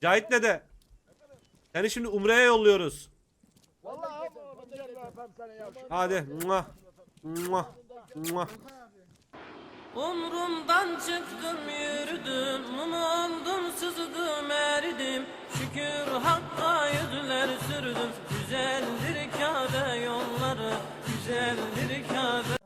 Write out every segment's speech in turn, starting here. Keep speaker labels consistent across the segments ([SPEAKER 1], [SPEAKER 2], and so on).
[SPEAKER 1] Cahit dede. Seni şimdi Umre'ye yolluyoruz. Hadi. Muah. Muah. Muah.
[SPEAKER 2] Umrumdan çıktım yürüdüm, mum oldum sızdım eridim. Şükür Hakk'a yüzler sürdüm, güzeldir Kabe yolları, güzeldir Kabe.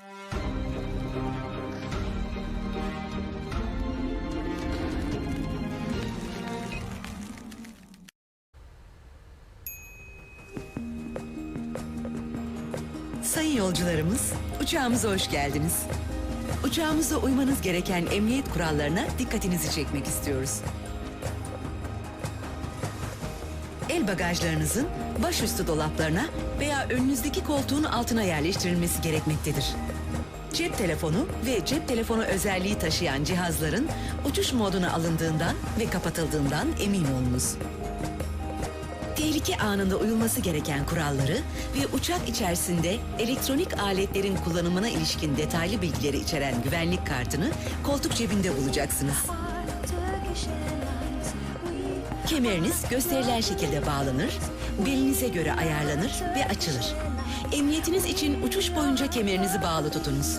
[SPEAKER 3] Sayın yolcularımız, uçağımıza hoş geldiniz. Uçağımızda uymanız gereken emniyet kurallarına dikkatinizi çekmek istiyoruz. El bagajlarınızın başüstü dolaplarına veya önünüzdeki koltuğun altına yerleştirilmesi gerekmektedir. Cep telefonu ve cep telefonu özelliği taşıyan cihazların uçuş moduna alındığından ve kapatıldığından emin olunuz. Tehlike anında uyulması gereken kuralları ve uçak içerisinde elektronik aletlerin kullanımına ilişkin detaylı bilgileri içeren güvenlik kartını koltuk cebinde bulacaksınız. Kemeriniz gösterilen şekilde bağlanır, belinize göre ayarlanır ve açılır. Emniyetiniz için uçuş boyunca kemerinizi bağlı tutunuz.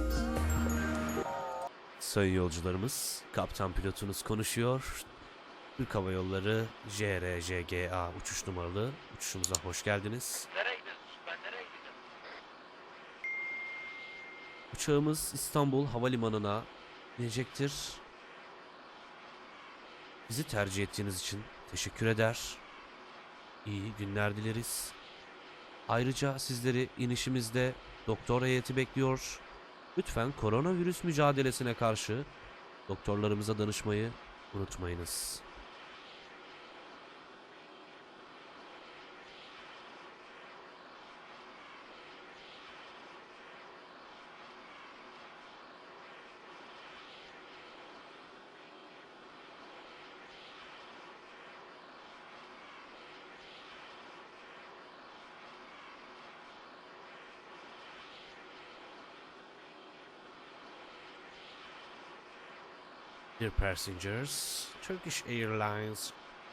[SPEAKER 1] Sayın yolcularımız, kaptan pilotunuz konuşuyor. Türk Hava Yolları JRJGA uçuş numaralı uçuşumuza hoş geldiniz.
[SPEAKER 4] Nereye gidiyorsun? Ben nereye gideceğim?
[SPEAKER 1] Uçağımız İstanbul Havalimanı'na inecektir. Bizi tercih ettiğiniz için teşekkür eder. İyi günler dileriz. Ayrıca sizleri inişimizde doktor heyeti bekliyor. Lütfen koronavirüs mücadelesine karşı doktorlarımıza danışmayı unutmayınız. Dear passengers, Turkish Airlines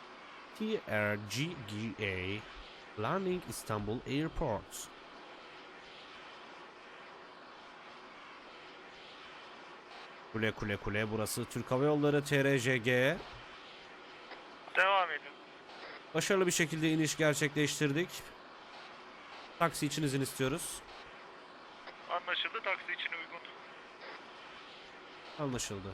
[SPEAKER 1] TRGGA landing Istanbul Airport. Kule kule kule, burası Türk Hava Yolları TRJG.
[SPEAKER 4] Devam edin.
[SPEAKER 1] Başarılı bir şekilde iniş gerçekleştirdik. Taksi için izin istiyoruz.
[SPEAKER 4] Anlaşıldı. Taksi için uygun.
[SPEAKER 1] Anlaşıldı.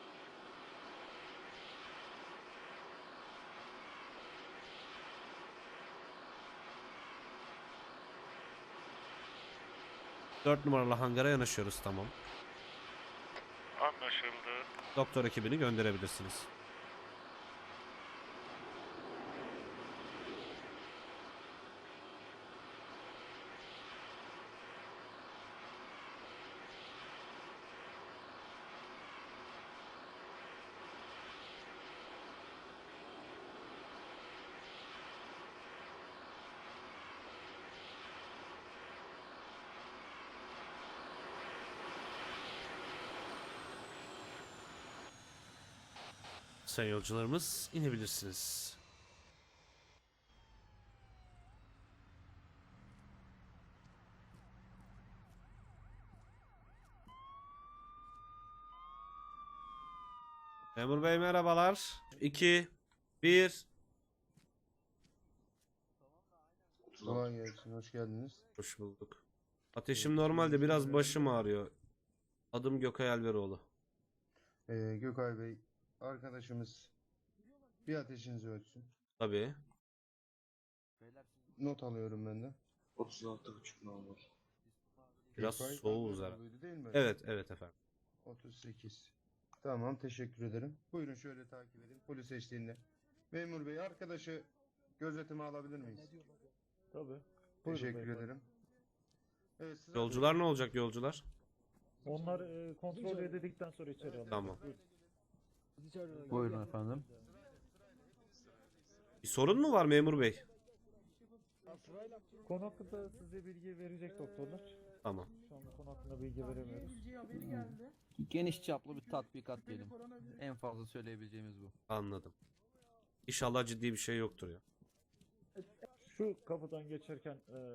[SPEAKER 1] Dört numaralı hangara yanaşıyoruz, tamam.
[SPEAKER 4] Anlaşıldı.
[SPEAKER 1] Doktor ekibini gönderebilirsiniz. Sayın yolcularımız, inebilirsiniz. Memur Bey merhabalar. 2, 1.
[SPEAKER 5] Kolay gelsin, hoş geldiniz.
[SPEAKER 1] Hoş bulduk. Ateşim normalde, biraz başım ağrıyor. Adım Gökay Alveroğlu.
[SPEAKER 5] Gökay Bey, arkadaşımız bir ateşinizi ölçsün.
[SPEAKER 1] Tabii.
[SPEAKER 5] Not alıyorum ben de.
[SPEAKER 6] 36,5 normal.
[SPEAKER 1] Biraz
[SPEAKER 5] Gökay
[SPEAKER 1] soğuğuz
[SPEAKER 5] Alveroğlu
[SPEAKER 1] herhalde.
[SPEAKER 5] buydu değil mi?
[SPEAKER 1] Evet, evet efendim.
[SPEAKER 5] 38. Tamam, teşekkür ederim. Buyurun şöyle takip edin, polis eşliğinde. Memur Bey, arkadaşı gözetime alabilir miyiz?
[SPEAKER 7] Tabii.
[SPEAKER 5] Teşekkür ederim. Evet, sıra
[SPEAKER 1] Yolcular ne olacak yolcular?
[SPEAKER 7] Onlar kontrol edildikten sonra içeri alınır.
[SPEAKER 1] Tamam.
[SPEAKER 6] Buyurun efendim.
[SPEAKER 1] Bir sorun mu var memur bey?
[SPEAKER 7] Konu hakkında size bilgi verecek doktorlar.
[SPEAKER 1] Tamam.
[SPEAKER 7] Şu anda konu hakkında bilgi veremiyoruz.
[SPEAKER 6] Geniş çaplı bir tatbikat diyelim. En fazla söyleyebileceğimiz bu.
[SPEAKER 1] Anladım. İnşallah ciddi bir şey yoktur ya.
[SPEAKER 7] Şu kapıdan geçerken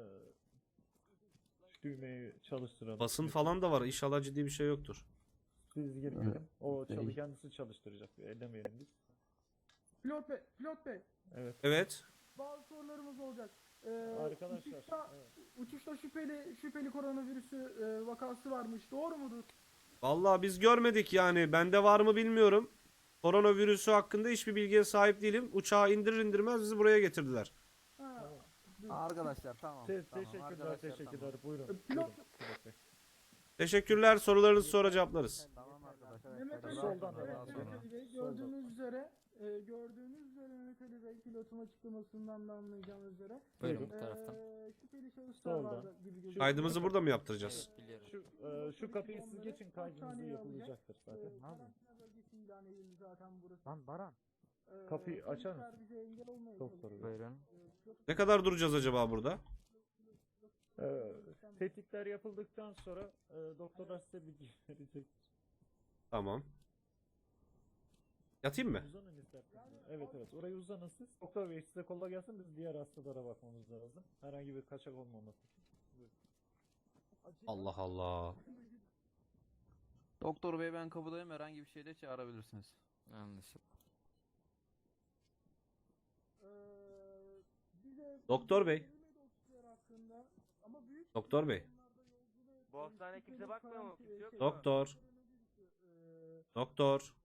[SPEAKER 7] şu düğmeyi çalıştıralım.
[SPEAKER 1] Basın falan da var. İnşallah ciddi bir şey yoktur.
[SPEAKER 7] Biz girmeyelim. O
[SPEAKER 6] Değil.
[SPEAKER 7] kendisi çalıştıracak. Ellemeyelim biz.
[SPEAKER 8] Pilot Bey,
[SPEAKER 7] Evet.
[SPEAKER 1] Evet.
[SPEAKER 8] bazı sorularımız olacak.
[SPEAKER 7] Arkadaşlar.
[SPEAKER 8] Uçuşta,
[SPEAKER 7] Evet.
[SPEAKER 8] uçuşta şüpheli koronavirüsü vakası varmış. Doğru mudur?
[SPEAKER 1] Vallahi biz görmedik yani. Bende var mı bilmiyorum. Koronavirüsü hakkında hiçbir bilgiye sahip değilim. Uçağı indirir indirmez bizi buraya getirdiler.
[SPEAKER 8] Ha,
[SPEAKER 9] Arkadaşlar tamam. tamam.
[SPEAKER 7] Teşekkürler,
[SPEAKER 9] Arkadaşlar,
[SPEAKER 7] teşekkürler. Buyurun.
[SPEAKER 8] Pilot-
[SPEAKER 7] Buyurun, pilot bey.
[SPEAKER 1] Teşekkürler. Sorularınızı sonra cevaplarız.
[SPEAKER 9] Tamam arkadaşlar.
[SPEAKER 8] Mehmet Ali,
[SPEAKER 7] Soldan
[SPEAKER 8] evet,
[SPEAKER 7] devam
[SPEAKER 8] Mehmet
[SPEAKER 7] sonra.
[SPEAKER 8] Ali Bey,
[SPEAKER 7] Soldan.
[SPEAKER 8] gördüğünüz üzere Mehmet Ali Bey, pilotun açıklamasından da anlayacağınız üzere.
[SPEAKER 7] Buyurun.
[SPEAKER 10] Bu taraftan.
[SPEAKER 8] Şüpheli şahıslar
[SPEAKER 7] Soldan.
[SPEAKER 8] vardı gibi gözüküyor.
[SPEAKER 1] Kaydımızı burada mı yaptıracağız?
[SPEAKER 10] Evet biliyorum.
[SPEAKER 7] Şu kapıyı siz geçin, kaydınızı yapılacaktır zaten.
[SPEAKER 8] Karantina bölgesi ilan edildi zaten burası.
[SPEAKER 9] Lan Baran.
[SPEAKER 7] Kapıyı açar
[SPEAKER 8] polisler
[SPEAKER 7] mısın?
[SPEAKER 8] bize engel olmaya
[SPEAKER 7] Çok
[SPEAKER 8] çalışıyor.
[SPEAKER 7] soru.
[SPEAKER 10] Buyurun.
[SPEAKER 1] Ne kadar duracağız acaba burada?
[SPEAKER 7] Tetkikler yapıldıktan sonra doktorlar size bilgi verecek.
[SPEAKER 1] Tamam. Yatayım mı?
[SPEAKER 7] Uzanın isterseniz. Evet evet, oraya uzanın siz. Doktor bey size kolay gelsin, biz diğer hastalara bakmamız lazım. Herhangi bir kaçak olmaması için. Buyurun.
[SPEAKER 1] Allah Allah.
[SPEAKER 9] Doktor bey ben kapıdayım, herhangi bir şeyde çağırabilirsiniz.
[SPEAKER 10] Anlaşıldı.
[SPEAKER 1] Doktor bey. Doktor bey.
[SPEAKER 4] Bu hastaneye kimse bakmıyor mu? Kimse yok mu?
[SPEAKER 1] Doktor. Doktor.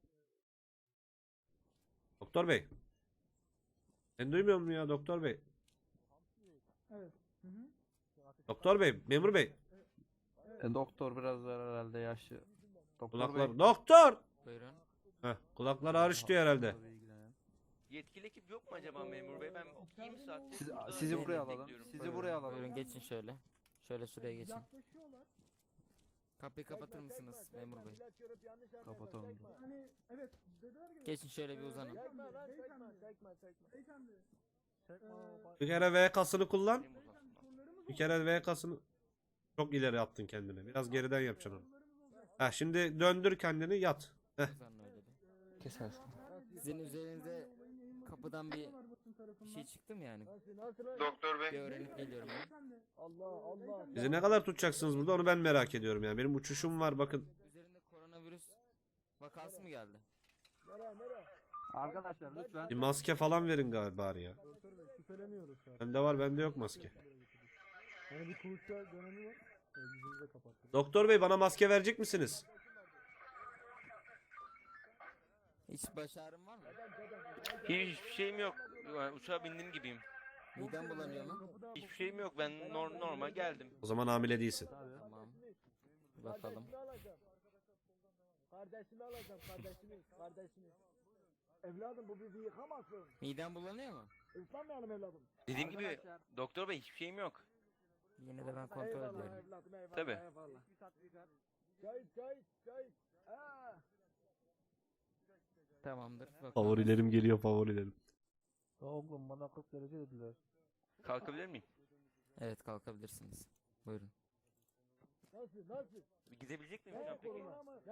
[SPEAKER 1] Doktor bey. Ben duymuyor musun ya doktor bey?
[SPEAKER 8] Evet. Hı hı.
[SPEAKER 1] Doktor bey, memur bey.
[SPEAKER 9] Doktor biraz daha herhalde yaşlı. Doktor
[SPEAKER 1] Kulaklar.
[SPEAKER 9] bey.
[SPEAKER 1] Doktor.
[SPEAKER 10] Buyurun.
[SPEAKER 1] Heh, kulakları ağrış diyor herhalde.
[SPEAKER 9] Doktor bey ilgilenen.
[SPEAKER 4] Yetkili ekip yok mu acaba memur bey? Ben 20 saattir
[SPEAKER 9] Sizi
[SPEAKER 4] burada
[SPEAKER 9] buraya alalım.
[SPEAKER 4] bekliyorum.
[SPEAKER 9] Sizi buraya alalım.
[SPEAKER 10] Buyurun geçin şöyle. Şöyle şuraya geçin.
[SPEAKER 8] Yaklaşıyorlar.
[SPEAKER 10] Kapıyı kapatır mısınız memur bey?
[SPEAKER 9] Kapatalım.
[SPEAKER 8] Hani evet dediler ki
[SPEAKER 10] Geçin şöyle bir uzanın.
[SPEAKER 8] beyefendi.
[SPEAKER 1] Bir kere VK'sını kullan.
[SPEAKER 4] Benim uzansın.
[SPEAKER 1] Bir kere VK'sını çok ileri attın kendini. Biraz geriden yapacaksın onu. Ha şimdi döndür kendini yat.
[SPEAKER 10] Uzanın öyle bir.
[SPEAKER 9] Kesersin.
[SPEAKER 10] Sizin üzerinize kapıdan bir şey çıktı mı yani?
[SPEAKER 4] Doktor
[SPEAKER 10] Bir
[SPEAKER 4] bey.
[SPEAKER 10] öğrenip geliyorum ben.
[SPEAKER 1] Bizi ne kadar tutacaksınız burada onu ben merak ediyorum yani. Benim uçuşum var bakın.
[SPEAKER 10] Üzerinde koronavirüs vakası mı geldi?
[SPEAKER 9] Arkadaşlar lütfen.
[SPEAKER 1] Bir maske falan verin galiba bari ya. Bende var bende yok maske.
[SPEAKER 7] Yani bir kuluçka dönemi var. Yüzünüze kapatın.
[SPEAKER 1] Doktor bey bana maske verecek misiniz?
[SPEAKER 10] Hiç baş ağrım var mı?
[SPEAKER 4] Hiçbir şeyim yok. Yani uçağa bindim gibiyim.
[SPEAKER 10] Midem bulanıyor mu?
[SPEAKER 4] Hiçbir şeyim yok. Ben normal geldim.
[SPEAKER 1] O zaman hamile değilsin.
[SPEAKER 10] Tamam. Bir bakalım.
[SPEAKER 8] Kardeşimi alacağım kardeşimi. Evladım bu bizi yıkamasın.
[SPEAKER 10] Midem bulanıyor mu?
[SPEAKER 8] Islanmayalım evladım.
[SPEAKER 4] Dediğim gibi doktor bey hiçbir şeyim yok.
[SPEAKER 10] Yine de ben kontrol ediyorum.
[SPEAKER 8] Evladım eyvallah.
[SPEAKER 4] Tabii.
[SPEAKER 8] Eyvallah. Çay.
[SPEAKER 10] Tamamdır. Bakalım.
[SPEAKER 1] Favorilerim geliyor favorilerim.
[SPEAKER 7] Oğlum bana 40 derece dediler.
[SPEAKER 4] Kalkabilir miyim?
[SPEAKER 10] Evet kalkabilirsiniz. Buyurun.
[SPEAKER 4] Gidebilecek miyim hocam peki?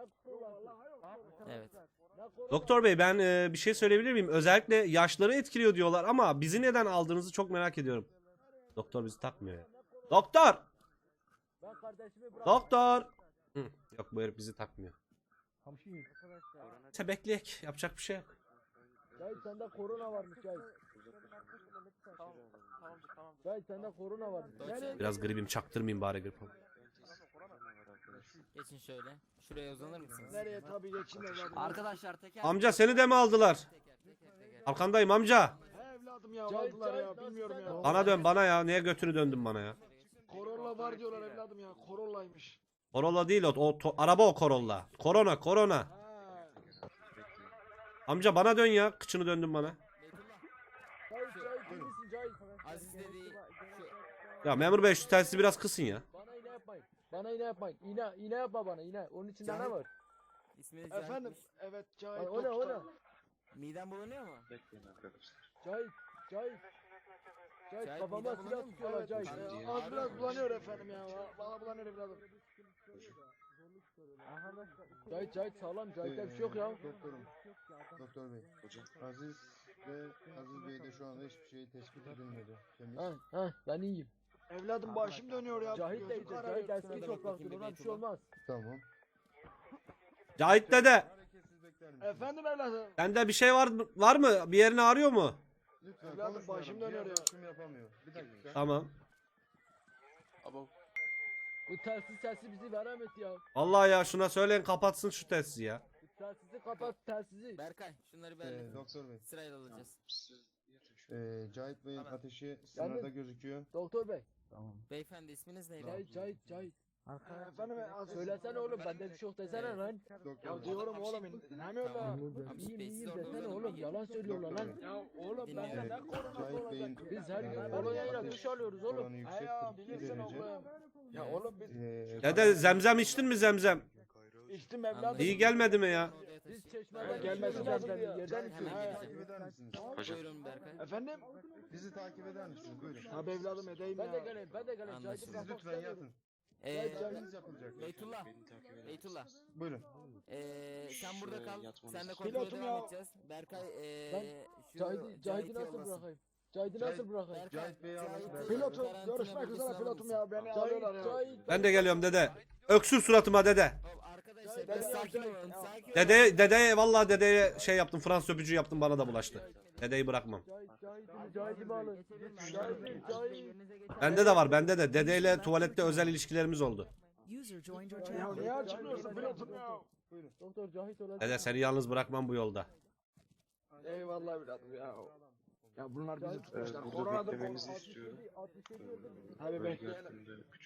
[SPEAKER 10] Evet.
[SPEAKER 1] Doktor bey ben bir şey söyleyebilir miyim? Özellikle yaşları etkiliyor diyorlar ama bizi neden aldığınızı çok merak ediyorum. Doktor bizi takmıyor ya. Doktor! Doktor! Hı, yok bu herif bizi takmıyor. Tebekleyek yapacak bir şey yok.
[SPEAKER 8] Çay sende korona varmış çay. Çay sende korona varmış.
[SPEAKER 1] Biraz gribim çaktırmayayım bari grip.
[SPEAKER 10] Geçin şöyle. Şuraya uzanır mısınız?
[SPEAKER 8] Nereye tabii geçin evladım.
[SPEAKER 9] Arkadaşlar teker.
[SPEAKER 1] Amca seni de mi aldılar?
[SPEAKER 10] Teker.
[SPEAKER 1] Arkandayım amca.
[SPEAKER 8] He evladım ya aldılar ya bilmiyorum ya.
[SPEAKER 1] Bana dön bana ya. Niye götünü döndün bana ya?
[SPEAKER 8] Corolla var diyorlar evladım ya. Corolla'ymış.
[SPEAKER 1] Corolla değil araba o Corolla. Korona.
[SPEAKER 8] Ha.
[SPEAKER 1] Amca bana dön ya. Kıçını döndün bana.
[SPEAKER 10] Beytullah.
[SPEAKER 8] Çay misin çay?
[SPEAKER 10] Aziz dediği
[SPEAKER 1] Ya memur bey şu telsizi biraz kısın ya.
[SPEAKER 8] Bana iğne yapmayın. Bana iğne yapmayın. İğne yapma bana iğne. Onun içinde ne
[SPEAKER 10] Cahit.
[SPEAKER 8] var?
[SPEAKER 10] isminiz
[SPEAKER 8] Efendim.
[SPEAKER 10] Cahit'miş.
[SPEAKER 8] Evet Cahit.
[SPEAKER 10] O ne? Midem bulanıyor mu?
[SPEAKER 9] Bekleyin arkadaşlar.
[SPEAKER 8] Cahit.
[SPEAKER 10] Cahit,
[SPEAKER 8] Kafama
[SPEAKER 10] midem
[SPEAKER 8] silah
[SPEAKER 10] bulanıyor mu?
[SPEAKER 8] tutuyorlar
[SPEAKER 10] Evet,
[SPEAKER 8] Cahit.
[SPEAKER 10] Cahit.
[SPEAKER 8] Az biraz bulanıyor efendim ya. Bana bulanıyor evladım. Cahit sağlam. Cahit'te bir şey yok ya.
[SPEAKER 5] Doktor bey. Hocam. Aziz Ve Aziz Bey de şu anda hiçbir şey tespit edilmedi. Temiz.
[SPEAKER 7] Ben iyiyim.
[SPEAKER 6] Evladım başım dönüyor ya.
[SPEAKER 7] Cahit de iyice. Cahit eski topraktır. Ona bir şey olmaz.
[SPEAKER 5] Tamam.
[SPEAKER 1] Cahit dede.
[SPEAKER 5] Hareketsiz bekler misiniz?
[SPEAKER 6] Efendim evladım.
[SPEAKER 1] Sende bir şey var mı? Bir yerini ağrıyor mu?
[SPEAKER 5] Lütfen
[SPEAKER 6] Evladım,
[SPEAKER 5] konuşmayalım.
[SPEAKER 6] başım dönüyor ya.
[SPEAKER 5] Ölçüm yapamıyor. Bir dakika.
[SPEAKER 1] Tamam.
[SPEAKER 7] Bu telsiz sesi bizi veremedi ya.
[SPEAKER 1] Vallahi ya şuna söyleyin kapatsın şu telsizi ya.
[SPEAKER 7] Telsizi kapat telsizi.
[SPEAKER 10] Berkay şunları bir hallet.
[SPEAKER 5] Doktor Bey.
[SPEAKER 10] Sırayla alacağız.
[SPEAKER 5] Cahit Bey'in ateşi sınırda gözüküyor.
[SPEAKER 7] Doktor bey.
[SPEAKER 9] Tamam.
[SPEAKER 10] Beyefendi isminiz neydi?
[SPEAKER 7] Cahit.
[SPEAKER 6] Efendim
[SPEAKER 7] Söylesene oğlum bende bir şey yok desene lan.
[SPEAKER 5] Doktor
[SPEAKER 6] Ya
[SPEAKER 5] Bey.
[SPEAKER 6] diyorum oğlum dinlemiyor da.
[SPEAKER 7] İyiyim desene oğlum yalan söylüyorlar lan.
[SPEAKER 6] Ya oğlum ben de ne korona
[SPEAKER 5] Cahit Bey'in
[SPEAKER 7] Biz her gün kolonyayla duş alıyoruz
[SPEAKER 5] oranı
[SPEAKER 7] oğlum.
[SPEAKER 5] yüksek,
[SPEAKER 6] ya
[SPEAKER 5] 42
[SPEAKER 6] bilirsin
[SPEAKER 5] derece.
[SPEAKER 6] oğlum. Ya oğlum biz
[SPEAKER 1] Dede zemzem içtin mi zemzem?
[SPEAKER 6] içtim evladım.
[SPEAKER 1] İyi gelmedi mi ya?
[SPEAKER 7] Biz çeşmeden
[SPEAKER 6] Gelmesi
[SPEAKER 7] içiyoruz
[SPEAKER 6] lazım
[SPEAKER 7] yerden,
[SPEAKER 6] ya.
[SPEAKER 7] yerden içiyoruz.
[SPEAKER 10] Hemen
[SPEAKER 5] Takip eder misiniz?
[SPEAKER 10] Buyurun Berkay.
[SPEAKER 6] Efendim?
[SPEAKER 5] Bizi takip eder misiniz? Buyurun.
[SPEAKER 6] Tabii evladım edeyim
[SPEAKER 7] Ben de
[SPEAKER 6] ya.
[SPEAKER 7] geleyim Cahit'i
[SPEAKER 10] Anlaşıldı.
[SPEAKER 5] Siz
[SPEAKER 7] bırakmak
[SPEAKER 5] lütfen
[SPEAKER 7] istemiyorum.
[SPEAKER 5] yatın.
[SPEAKER 10] Ee,
[SPEAKER 5] Siz yapılacak.
[SPEAKER 10] Beytullah.
[SPEAKER 5] Buyurun.
[SPEAKER 10] Sen burada kal. Sen de
[SPEAKER 6] Pilotum
[SPEAKER 10] kontrole
[SPEAKER 6] ya.
[SPEAKER 10] devam edeceğiz. Berkay şu
[SPEAKER 7] Cahit'i
[SPEAKER 10] Cahit'i
[SPEAKER 7] nasıl
[SPEAKER 10] yollasın.
[SPEAKER 7] bırakayım? Cahit'i nasıl bırakayım?
[SPEAKER 10] Berkay,
[SPEAKER 5] Cahit Bey'i alın.
[SPEAKER 10] Cahit'i
[SPEAKER 6] Pilotum
[SPEAKER 10] karantina
[SPEAKER 6] görüşmek üzere
[SPEAKER 10] bölgesine
[SPEAKER 6] pilotum
[SPEAKER 10] alın.
[SPEAKER 6] ya. Beni alıyorlar ya.
[SPEAKER 7] Cahit.
[SPEAKER 1] Ben de geliyorum dede. Öksür suratıma dede.
[SPEAKER 10] Hop, arkadaşlar biraz sakin olun. Sakin olun.
[SPEAKER 1] Dedeye vallahi dedeye şey yaptım. Fransız öpücüğü yaptım bana da bulaştı. Dedeyi bırakmam.
[SPEAKER 7] Cahit'i alın. Cahit.
[SPEAKER 1] Bende de var bende de. Dedeyle tuvalette özel ilişkilerimiz oldu.
[SPEAKER 6] Ya niye açmıyorsun pilotum ya?
[SPEAKER 7] Doktor Cahit olacak.
[SPEAKER 1] Dede seni yalnız bırakmam bu yolda.
[SPEAKER 6] Eyvallah evladım ya. Ya bunlar bizi tutmuşlar. Koronadır korona. Tabii bekleyelim.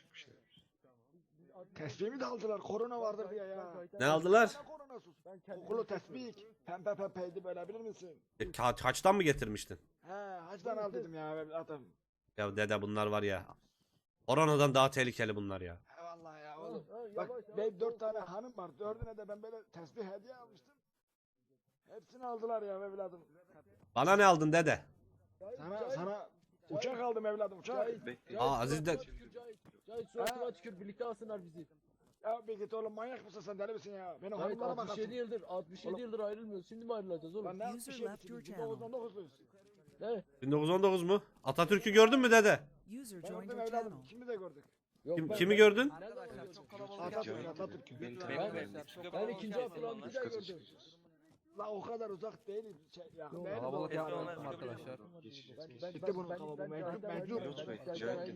[SPEAKER 6] Tesbihimi de aldılar. Korona vardır diye ya.
[SPEAKER 1] Ne aldılar?
[SPEAKER 6] Ne koronası? Kokulu tesbih. Pembe pembeydi böyle bilir misin?
[SPEAKER 1] Haçtan mı getirmiştin?
[SPEAKER 6] He hacdan al dedim ya evladım.
[SPEAKER 1] Ya dede bunlar var ya. Koronadan daha tehlikeli bunlar ya.
[SPEAKER 6] He vallahi ya oğlum. Bak benim 4 tane hanım var. 4'üne de ben böyle tesbih hediye almıştım. Hepsini aldılar ya evladım.
[SPEAKER 1] Bana ne aldın dede?
[SPEAKER 6] Sana uçak aldım evladım uçak.
[SPEAKER 1] Aa Aziz de
[SPEAKER 7] Cahit suratıma tükür birlikte alsınlar bizi.
[SPEAKER 6] Ya bir git oğlum manyak mısın sen deli misin ya? Benim
[SPEAKER 7] Cahit
[SPEAKER 6] hanımlara bak.
[SPEAKER 7] 67 yıldır ayrılmıyoruz. Şimdi mi ayrılacağız oğlum?
[SPEAKER 6] Lan ne yapmış şey bitirdim? 1919'luyuz.
[SPEAKER 7] Ne?
[SPEAKER 1] 1919 mu? Atatürk'ü gördün mü dede?
[SPEAKER 6] Gördüm evladım. Kimi de gördük.
[SPEAKER 7] Yok,
[SPEAKER 1] Kimi gördün?
[SPEAKER 10] Arkadaşlar çok kalabalık
[SPEAKER 6] Atatürk
[SPEAKER 10] yapmayın.
[SPEAKER 6] Atatürk.
[SPEAKER 7] Ben 2. Abdülhamit'i de gördüm.
[SPEAKER 6] La o kadar uzak değil. Ya,
[SPEAKER 7] Yok,
[SPEAKER 6] değil
[SPEAKER 9] Kalabalık
[SPEAKER 6] o.
[SPEAKER 9] yapmadım arkadaşlar.
[SPEAKER 6] Gitti bunun kalabalığı. Mecbur.
[SPEAKER 7] Cahit.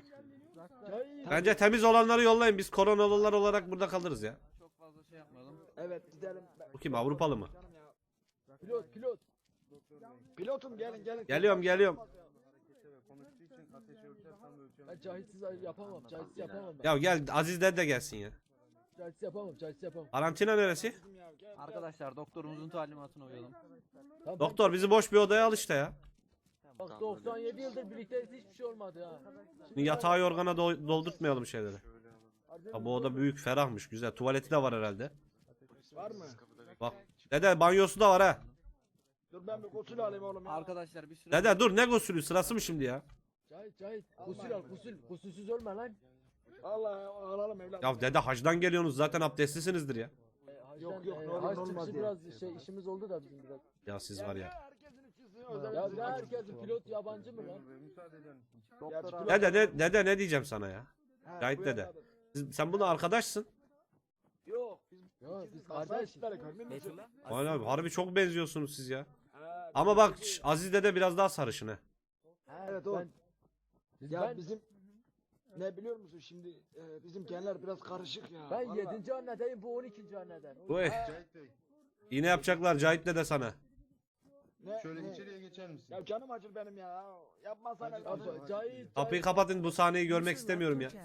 [SPEAKER 1] Bence temiz olanları yollayın. Biz koronalılar olarak burada kalırız ya.
[SPEAKER 9] Çok fazla şey yapmayalım.
[SPEAKER 6] Evet gidelim.
[SPEAKER 1] Bu kim, Avrupalı mı?
[SPEAKER 6] Canım ya.
[SPEAKER 7] Pilot.
[SPEAKER 6] Pilotum gelin.
[SPEAKER 1] Geliyorum.
[SPEAKER 5] Konuştuğu için ateşi ölçersem ölçemem.
[SPEAKER 7] Ben Cahitsiz yapamam. Cahitsiz yapamam ben.
[SPEAKER 1] Ya gel Aziz dede de gelsin ya.
[SPEAKER 7] Cahitsiz yapamam.
[SPEAKER 1] Karantina neresi?
[SPEAKER 6] Bizim ya, gel.
[SPEAKER 9] Arkadaşlar doktorumuzun talimatına uyalım.
[SPEAKER 7] Tamam,
[SPEAKER 1] Doktor bizi boş bir odaya al işte ya.
[SPEAKER 7] Bak 97 yıldır birlikteyiz hiçbir şey olmadı ha.
[SPEAKER 1] Yatağı yorgana doldurtmayalım şeyleri. Ha, bu oda büyük, ferahmış, güzel. Tuvaleti de var herhalde.
[SPEAKER 6] Var mı?
[SPEAKER 1] Bak. Dede banyosu da var ha.
[SPEAKER 6] Dur ben bir gusül alayım oğlum ya.
[SPEAKER 9] Arkadaşlar bir süre
[SPEAKER 1] Dede dur, ne gusülü, sırası mı şimdi ya?
[SPEAKER 7] Cahit. Gusül al gusül. Gusülsüz ölme lan.
[SPEAKER 6] Allah alalım evladım.
[SPEAKER 1] Ya dede hacdan geliyorsunuz, zaten abdestlisinizdir ya.
[SPEAKER 6] Yok, ne olur,
[SPEAKER 7] Hac
[SPEAKER 6] ne olmaz
[SPEAKER 7] çıkışı
[SPEAKER 6] ya.
[SPEAKER 7] biraz işimiz oldu da bizim biraz.
[SPEAKER 1] Ya siz var ya.
[SPEAKER 6] Herkesin içkisi özel
[SPEAKER 7] Ya
[SPEAKER 6] bizim
[SPEAKER 7] ne
[SPEAKER 6] acımız.
[SPEAKER 7] herkesin pilot yabancı mı lan?
[SPEAKER 5] Müsaade eder misiniz?
[SPEAKER 9] doktor abi.
[SPEAKER 1] Dede ne diyeceğim sana ya?
[SPEAKER 6] He,
[SPEAKER 1] Cahit
[SPEAKER 6] bu
[SPEAKER 1] dede.
[SPEAKER 6] evladım.
[SPEAKER 1] Sen bununla arkadaşsın.
[SPEAKER 6] Yok biz
[SPEAKER 7] Ya biz
[SPEAKER 6] kardeş.
[SPEAKER 7] kardeşiz.
[SPEAKER 6] Görmüyor musun?
[SPEAKER 10] Beytullah.
[SPEAKER 1] Valla harbi çok benziyorsunuz siz ya.
[SPEAKER 6] He,
[SPEAKER 1] Ama bak Aziz dede biraz daha sarışın ha.
[SPEAKER 6] Evet o. Ya
[SPEAKER 7] Ben
[SPEAKER 6] bizim ne biliyor musun şimdi bizim genler biraz karışık ya.
[SPEAKER 7] ben
[SPEAKER 6] Vallahi.
[SPEAKER 7] 7. annedeyim bu 12. anneden.
[SPEAKER 1] Bu
[SPEAKER 5] Cahit Bey,
[SPEAKER 1] yine yapacaklar Cahit dede sana.
[SPEAKER 5] şöyle
[SPEAKER 6] Ne?
[SPEAKER 5] içeriye geçer misin?
[SPEAKER 6] Ya canım acır benim ya. Yapmasana
[SPEAKER 5] Acır,
[SPEAKER 6] evladım.
[SPEAKER 5] acır.
[SPEAKER 7] Cahit.
[SPEAKER 1] Kapıyı kapatın, bu sahneyi görmek istemiyorum ya.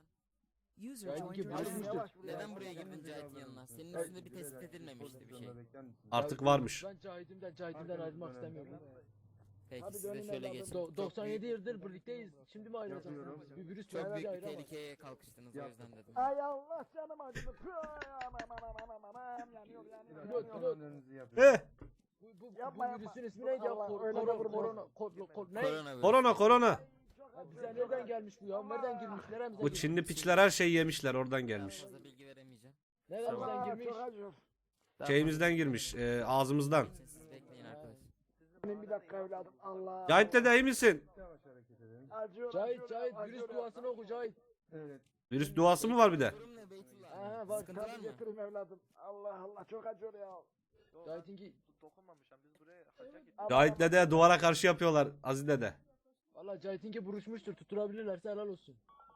[SPEAKER 10] Neden buraya girdin Cahit'in yanına? Senin üstünde bir tespit edilmemişti bir şey.
[SPEAKER 1] Artık varmış.
[SPEAKER 7] Ben Cahit'imden ayrılmak istemiyorum.
[SPEAKER 10] Peki
[SPEAKER 6] Hadi
[SPEAKER 10] siz de
[SPEAKER 6] dönün
[SPEAKER 10] şöyle
[SPEAKER 6] evladım.
[SPEAKER 10] geçin.
[SPEAKER 7] 97 yıldır birlikteyiz. Şimdi mi ayrılacağız?
[SPEAKER 5] Yapıyorum.
[SPEAKER 7] Bir virüs
[SPEAKER 10] Çok
[SPEAKER 7] bizi
[SPEAKER 10] büyük bir
[SPEAKER 7] ayıramaz.
[SPEAKER 10] tehlikeye kalkıştınız o yüzden dedim.
[SPEAKER 6] Ay Allah canım acıdı. Püh, aman, yanıyor.
[SPEAKER 7] Pilot.
[SPEAKER 5] Önlerinizi yapıyorum.
[SPEAKER 1] Eh,
[SPEAKER 6] Yapma,
[SPEAKER 7] Bu virüsün ismi neydi ya?
[SPEAKER 6] Allah, öyle de vurma.
[SPEAKER 7] Ne?
[SPEAKER 1] korona.
[SPEAKER 7] Ya bize nereden gelmiş bu ya? Nereden girmiş? Neremizden
[SPEAKER 1] Bu
[SPEAKER 7] girmiş?
[SPEAKER 1] Çinli piçler her şeyi yemişler, oradan
[SPEAKER 10] Daha
[SPEAKER 1] gelmiş.
[SPEAKER 10] fazla bilgi veremeyeceğim.
[SPEAKER 7] Neremizden girmiş?
[SPEAKER 6] Çok acıyor.
[SPEAKER 1] Şeyimizden girmiş, ağzımızdan.
[SPEAKER 10] Geçin siz bekleyin arkadaşlar.
[SPEAKER 6] Bir dakika evladım. Allah.
[SPEAKER 1] Cahit dede iyi misin?
[SPEAKER 5] Yavaş hareket edelim.
[SPEAKER 6] Acıyor,
[SPEAKER 10] Cahit
[SPEAKER 6] acıyor,
[SPEAKER 10] Cahit
[SPEAKER 6] acıyor
[SPEAKER 10] virüs
[SPEAKER 6] ya.
[SPEAKER 10] duasını oku Cahit.
[SPEAKER 5] Evet.
[SPEAKER 1] Virüs duası mı var bir de?
[SPEAKER 10] Durum ne Beytullah?
[SPEAKER 6] Aha bak
[SPEAKER 10] Sıkıntı var
[SPEAKER 6] tabii
[SPEAKER 10] mı?
[SPEAKER 6] getirin evladım. Allah Allah çok acıyor ya.
[SPEAKER 10] Cahit'inki
[SPEAKER 1] Cahit dede duvara karşı yapıyorlar Aziz dede.
[SPEAKER 10] valla Cahit'inki buruşmuştur. Tutturabilirlerse helal olsun.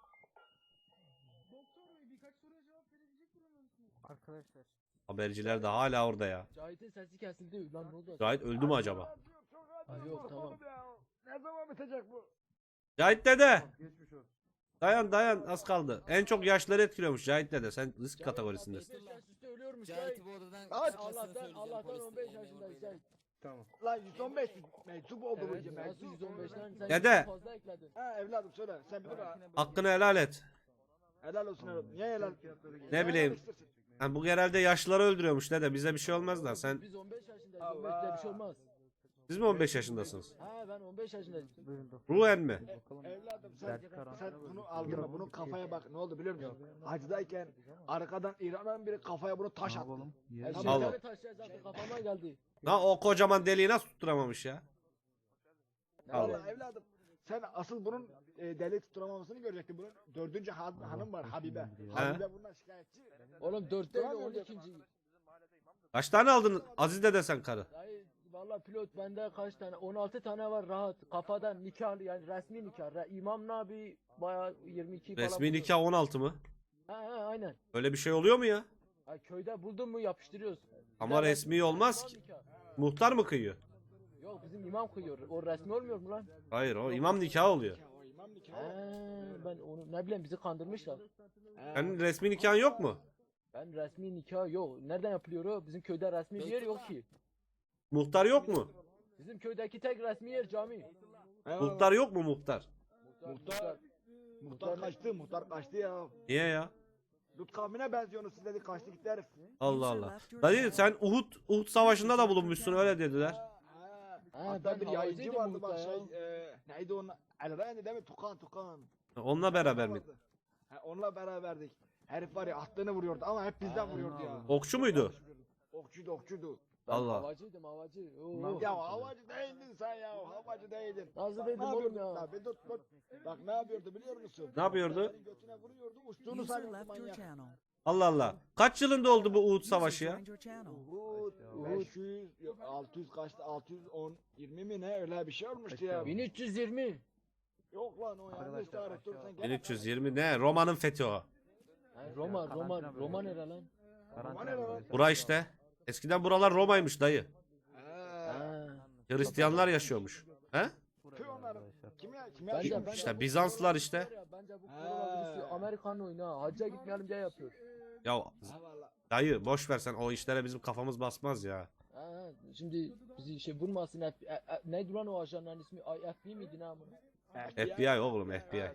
[SPEAKER 8] Doktor bey birkaç soruya cevap verebilecek durumda mısınız?
[SPEAKER 9] Arkadaşlar.
[SPEAKER 1] Haberciler de hala orada ya.
[SPEAKER 10] Cahit'in sesi kesildi. Lan ne oldu?
[SPEAKER 1] Cahit öldü mü acaba?
[SPEAKER 6] Acıyor, çok acıyor.
[SPEAKER 10] Ha, yok,
[SPEAKER 6] oğlum
[SPEAKER 10] tamam.
[SPEAKER 6] ya. Ne zaman bitecek bu?
[SPEAKER 1] Cahit dede.
[SPEAKER 5] Geçmiş olsun.
[SPEAKER 1] Dayan az kaldı. En çok yaşları etkiliyormuş Cahit dede. Sen risk kategorisindesin.
[SPEAKER 10] 15 yaş üstü ölüyormuş Cahit.
[SPEAKER 6] Cahit'i
[SPEAKER 10] bu odadan
[SPEAKER 6] Allah'tan-
[SPEAKER 10] çıkmasını Allah'tan 15 yaşındayız Cahit.
[SPEAKER 5] Tamam.
[SPEAKER 6] Lan 115 meczup oldu bu
[SPEAKER 10] Evet,
[SPEAKER 6] gibi.
[SPEAKER 10] nasıl 115'ten sen
[SPEAKER 1] Dede.
[SPEAKER 10] yüzden fazla ekledin.
[SPEAKER 6] Ha evladım söyle sen bilir ha.
[SPEAKER 1] Hakkını helal et.
[SPEAKER 6] Helal olsun evladım. Niye helal?
[SPEAKER 1] Ne bileyim. Ha, bu genelde yaşlıları öldürüyormuş dede. Bize bir şey olmaz da sen.
[SPEAKER 10] Biz 15 yaşındayız. 15'te bir şey olmaz.
[SPEAKER 1] Siz mi 15 yaşındasınız?
[SPEAKER 10] Ha ben 15 yaşındayım.
[SPEAKER 1] Ruhen mi?
[SPEAKER 6] Evladım
[SPEAKER 9] Dert karanlığı
[SPEAKER 6] sen bunu aldın mı? Bunun kafaya bak ne oldu biliyor musun? Hacdayken arkadan İran'dan biri kafaya bunu taş attı.
[SPEAKER 10] Her
[SPEAKER 1] Allah.
[SPEAKER 10] şeyleri taşıyacaktı kafama geldi.
[SPEAKER 1] Ha o kocaman deliği nasıl tutturamamış ya? Allah.
[SPEAKER 6] Vallahi evladım sen asıl bunun deli tutturamamasını görecektin. Bunun dördüncü hanım var Habibe. Habibe bundan şikayetçi.
[SPEAKER 10] Oğlum 4 değil
[SPEAKER 6] Duramıyor
[SPEAKER 10] 12.
[SPEAKER 1] Kaç tane aldın Aziz dede sen karı?
[SPEAKER 10] Dayı valla pilot bende kaç tane 16 tane var rahat kafadan nikahlı yani resmi nikah İmam Nabi bayağı 22 falan.
[SPEAKER 1] Resmi
[SPEAKER 10] buluyor.
[SPEAKER 1] nikah 16 mı?
[SPEAKER 10] Ha aynen.
[SPEAKER 1] Öyle bir şey oluyor mu ya?
[SPEAKER 10] Ha, köyde buldun mu yapıştırıyoruz.
[SPEAKER 1] Ama
[SPEAKER 10] Bir de
[SPEAKER 1] resmi olmaz
[SPEAKER 10] imam
[SPEAKER 1] ki.
[SPEAKER 10] nikah.
[SPEAKER 1] Muhtar mı kıyıyor?
[SPEAKER 10] Yok bizim imam kıyıyor. O resmi olmuyor mu lan?
[SPEAKER 1] Hayır o imam nikahı oluyor.
[SPEAKER 6] O imam
[SPEAKER 10] He,
[SPEAKER 6] nikahı.
[SPEAKER 10] ben onu ne bileyim bizi kandırmışlar.
[SPEAKER 1] Senin resmi nikahın yok mu?
[SPEAKER 10] Ben resmi nikah yok. Nereden yapılıyor o? Bizim köyde resmi bir yer yok ki.
[SPEAKER 1] Muhtar yok mu?
[SPEAKER 10] Bizim köydeki tek resmi yer cami.
[SPEAKER 1] Muhtar yok mu muhtar?
[SPEAKER 6] Muhtar kaçtı, muhtar kaçtı ya.
[SPEAKER 1] Niye ya?
[SPEAKER 6] Lut kavmine benziyorsunuz siz dedi kaçtı gitti herif.
[SPEAKER 1] Allah Allah. Dayı sen Uhud savaşında da bulunmuşsun öyle dediler.
[SPEAKER 6] Hatta
[SPEAKER 10] ben
[SPEAKER 6] bir yayıncı
[SPEAKER 10] havacıydım
[SPEAKER 6] vardı bak
[SPEAKER 10] Uhud'da
[SPEAKER 6] şey neydi onun Elrani değil mi? Tukan.
[SPEAKER 1] Onunla beraber mi?
[SPEAKER 6] Ha, onunla beraberdik. Herif var ya attığını vuruyordu ama hep bizden vuruyordu ya.
[SPEAKER 1] Okçu muydu?
[SPEAKER 6] Okçuydu.
[SPEAKER 10] Ben
[SPEAKER 1] Allah.
[SPEAKER 10] havacıydım havacı. Oo.
[SPEAKER 6] Ya havacı değildin sen ya havacı değildin.
[SPEAKER 10] Nasıl dedim
[SPEAKER 6] Ne
[SPEAKER 10] oğlum
[SPEAKER 6] yapıyordu?
[SPEAKER 10] ya?
[SPEAKER 6] La bir dur. Bak ne yapıyordu biliyor musun?
[SPEAKER 1] Ne yapıyordu?
[SPEAKER 6] Senin götüne vuruyordu uçtuğunu sanıyordu manyak.
[SPEAKER 1] Allah Allah. Kaç yılında oldu bu Uhud savaşı ya?
[SPEAKER 6] Uhud 500 yok, 600 kaçtı 610 20 mi ne öyle bir şey olmuştu ya.
[SPEAKER 10] 1320.
[SPEAKER 6] Yok lan o yanlış tarih dur sen gel.
[SPEAKER 1] 1320 ne? Roma'nın fethi o.
[SPEAKER 10] Ha, Roma nere lan?
[SPEAKER 1] Bura işte. Eskiden buralar Roma'ymış dayı.
[SPEAKER 10] Ha.
[SPEAKER 1] Hristiyanlar yaşıyormuş. He?
[SPEAKER 6] Tüy onların. Kim
[SPEAKER 10] Bence
[SPEAKER 1] İşte Bizanslılar işte.
[SPEAKER 10] Bence bu koronavirüsü Amerikan oyunu ha. Hacca gitmeyelim diye yapıyor.
[SPEAKER 1] Ya dayı boş ver sen o işlere bizim kafamız basmaz ya.
[SPEAKER 10] Ha, şimdi bizi şey vurmasın. Neydi lan o ajanların ismi? FBI miydi ne amına?
[SPEAKER 1] FBI oğlum FBI.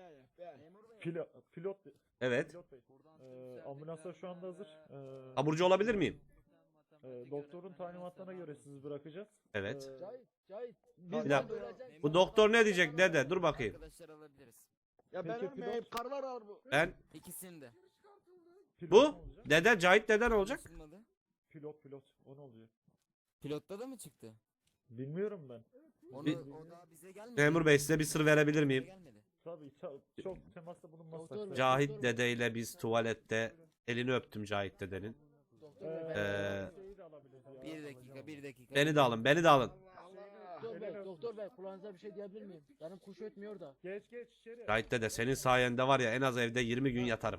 [SPEAKER 7] Pilot
[SPEAKER 1] Evet.
[SPEAKER 7] Pilot Bey. Ambulanslar şu anda hazır.
[SPEAKER 1] Taburcu olabilir miyim?
[SPEAKER 7] Doktorun talimatlarına göre sizi bırakacağız.
[SPEAKER 1] Evet.
[SPEAKER 10] Cahit.
[SPEAKER 1] Bir dakika. Bu doktor ne diyecek dede? Dur bakayım.
[SPEAKER 10] Arkadaşlar alabiliriz.
[SPEAKER 6] Ya ben
[SPEAKER 7] Peki,
[SPEAKER 6] ölmeyeyim karılar alır bu.
[SPEAKER 1] Ben
[SPEAKER 10] İkisini de.
[SPEAKER 7] Pilot
[SPEAKER 1] bu
[SPEAKER 7] ne olacak?
[SPEAKER 1] dede Cahit dede ne olacak?
[SPEAKER 7] Pilot. O ne oluyor?
[SPEAKER 10] Pilotta da mı çıktı?
[SPEAKER 7] Bilmiyorum ben.
[SPEAKER 10] Onu,
[SPEAKER 1] Bir-
[SPEAKER 10] o daha bize gelmedi.
[SPEAKER 1] Memur bey size bir sır verebilir miyim?
[SPEAKER 10] Gelmedi.
[SPEAKER 7] Tabii çok temasta bulunmazsak.
[SPEAKER 10] Doktor bey.
[SPEAKER 1] Cahit dedeyle biz tuvalette elini öptüm Cahit dedenin.
[SPEAKER 10] Doktor bey,
[SPEAKER 7] Şeyi de alabiliriz ya.
[SPEAKER 10] bir dakika.
[SPEAKER 1] Beni de alın beni de alın.
[SPEAKER 10] Doktor bey kulağınıza bir şey diyebilir miyim? Benim kuş ötmüyor da.
[SPEAKER 7] Geç içeri.
[SPEAKER 1] Cahit dede senin sayende var ya en az evde 20 gün yatarım.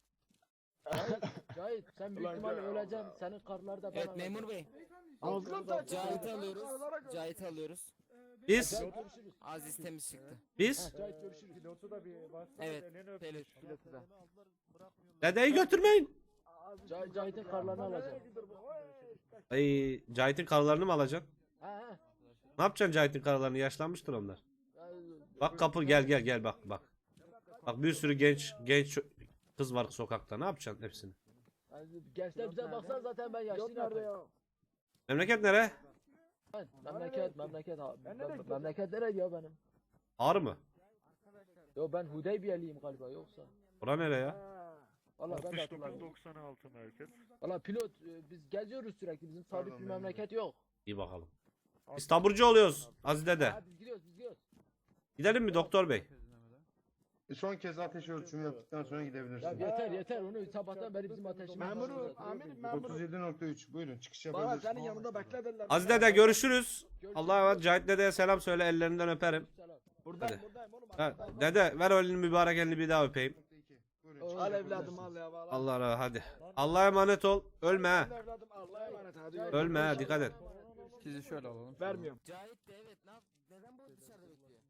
[SPEAKER 10] Cahit sen büyük
[SPEAKER 6] Ulan
[SPEAKER 10] ihtimalle
[SPEAKER 6] ya.
[SPEAKER 10] öleceksin. Senin karlar da
[SPEAKER 2] Evet memur bey.
[SPEAKER 6] Ağzına da
[SPEAKER 2] Cahit'i alıyoruz. Cahit'i alıyoruz.
[SPEAKER 1] Biz
[SPEAKER 2] Aziz temiz çıktı.
[SPEAKER 1] biz
[SPEAKER 10] Cahit görüşürüz.
[SPEAKER 7] Pilotu da bir varsa
[SPEAKER 2] Evet,
[SPEAKER 7] elini öpmüş.
[SPEAKER 2] Pilotu da.
[SPEAKER 1] dedeyi götürmeyin.
[SPEAKER 10] Cahit'in karlarını alacağım.
[SPEAKER 1] Ay Cahit'in karılarını mı alacaksın?
[SPEAKER 10] Ha.
[SPEAKER 1] Ne yapacaksın Cahit'in karılarını? Yaşlanmıştır onlar.
[SPEAKER 10] Ha.
[SPEAKER 1] Bak kapı gel bak. Bak bir sürü genç kız var sokakta. Ne yapacaksın hepsini?
[SPEAKER 10] Gençler bize baksan zaten ben
[SPEAKER 6] yok
[SPEAKER 10] yaşlıyım
[SPEAKER 6] nerede
[SPEAKER 10] artık.
[SPEAKER 6] ya?
[SPEAKER 1] Memleket nere?
[SPEAKER 10] Memleket abi.
[SPEAKER 6] Ben nereye gidiyorum?
[SPEAKER 10] Memleket nerede ya benim?
[SPEAKER 1] Ağrı mı?
[SPEAKER 10] Yo ben Hudeybiyeliyim galiba yoksa.
[SPEAKER 1] Bura nere ya?
[SPEAKER 10] Valla ben de hatırlamıyorum.
[SPEAKER 7] 96 merkez.
[SPEAKER 10] Valla pilot biz geziyoruz sürekli bizim sabit bir
[SPEAKER 5] Pardon,
[SPEAKER 10] memleket yok.
[SPEAKER 1] İyi bakalım. Biz taburcu oluyoruz Aziz dede.
[SPEAKER 10] Ha, biz gidiyoruz biz gidiyoruz.
[SPEAKER 1] Gidelim mi doktor bey?
[SPEAKER 5] Son kez ateş ölçümü yaptıktan sonra
[SPEAKER 10] Ya
[SPEAKER 5] gidebilirsiniz.
[SPEAKER 10] yeter onu sabahtan beri bizim ateşimiz.
[SPEAKER 6] Memurum, amirim, memurum.
[SPEAKER 5] 37.3 buyurun çıkış
[SPEAKER 6] Bana
[SPEAKER 5] yapabilirsiniz.
[SPEAKER 6] senin yanında bekle dediler.
[SPEAKER 1] Aziz dede görüşürüz. Allah'a emanet. Cahit dedeye selam söyle, ellerinden öperim.
[SPEAKER 6] Buradayım
[SPEAKER 1] Hadi.
[SPEAKER 6] buradayım oğlum.
[SPEAKER 1] Ha,
[SPEAKER 6] buradayım.
[SPEAKER 1] dede ver elini mübarek elini bir daha öpeyim.
[SPEAKER 5] Buyurun, çıkış
[SPEAKER 6] Al
[SPEAKER 5] yapabilirsiniz.
[SPEAKER 6] evladım al ya. vallahi.
[SPEAKER 1] Allah razı hadi. Allah'a emanet ol. Ölme ha.
[SPEAKER 6] Al evladım Allah'a emanet hadi.
[SPEAKER 1] Ölme ha, dikkat et.
[SPEAKER 9] Sizi şöyle alalım.
[SPEAKER 6] Vermiyorum.
[SPEAKER 2] Cahit de evet neden bu dışarıda bekliyor?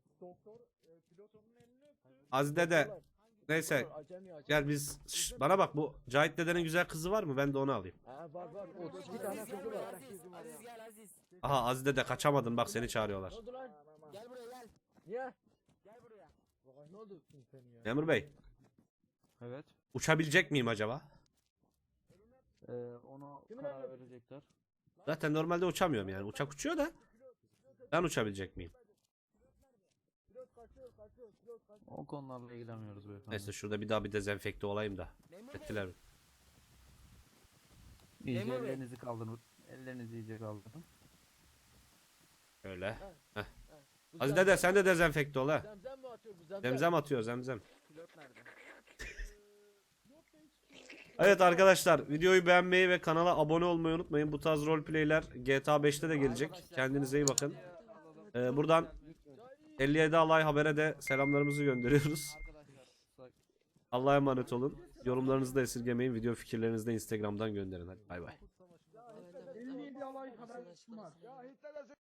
[SPEAKER 1] Aziz dede. Neyse. Gel biz. Şş, bana bak, bu Cahit dedenin güzel kızı var mı? Ben de onu alayım.
[SPEAKER 10] Ha var 32 tane
[SPEAKER 2] Aziz gel
[SPEAKER 10] kızı
[SPEAKER 2] buraya
[SPEAKER 10] var.
[SPEAKER 2] Aziz gel Aziz.
[SPEAKER 1] Aha Aziz dede kaçamadın, bak seni çağırıyorlar.
[SPEAKER 10] Ne oldu lan?
[SPEAKER 2] Gel buraya gel.
[SPEAKER 10] Niye?
[SPEAKER 2] Gel buraya.
[SPEAKER 10] Ne oldu?
[SPEAKER 1] Memur bey,
[SPEAKER 9] Evet.
[SPEAKER 1] uçabilecek miyim acaba?
[SPEAKER 9] Onu
[SPEAKER 10] Kimin
[SPEAKER 9] karar
[SPEAKER 10] evladı?
[SPEAKER 9] verecekler.
[SPEAKER 1] Zaten normalde uçamıyorum yani. Uçak uçuyor da. Ben uçabilecek miyim?
[SPEAKER 9] O konularla ilgilenmiyoruz beyefendi.
[SPEAKER 1] Neyse şurada bir daha bir dezenfekte olayım da.
[SPEAKER 2] Memur Bey.
[SPEAKER 1] Ettiler mi?
[SPEAKER 9] İyice
[SPEAKER 2] Memur Bey.
[SPEAKER 9] ellerinizi kaldırın. Ellerinizi iyice kaldırın.
[SPEAKER 1] Öyle.
[SPEAKER 10] Bu
[SPEAKER 1] Aziz
[SPEAKER 10] zem-
[SPEAKER 1] dede sen de dezenfekte ol ha.
[SPEAKER 10] Zemzem mi atıyor bu zemzem?
[SPEAKER 1] Zemzem atıyor, zemzem.
[SPEAKER 2] Pilot nerede?
[SPEAKER 1] Evet arkadaşlar, videoyu beğenmeyi ve kanala abone olmayı unutmayın. Bu tarz roleplayler GTA 5'te de gelecek. Kendinize iyi bakın. Buradan 57 Alay Haber'e de selamlarımızı gönderiyoruz. Allah'a emanet olun. Yorumlarınızı da esirgemeyin. Video fikirlerinizi de Instagram'dan gönderin. Hadi bay bay.
[SPEAKER 8] 57 alay haber var.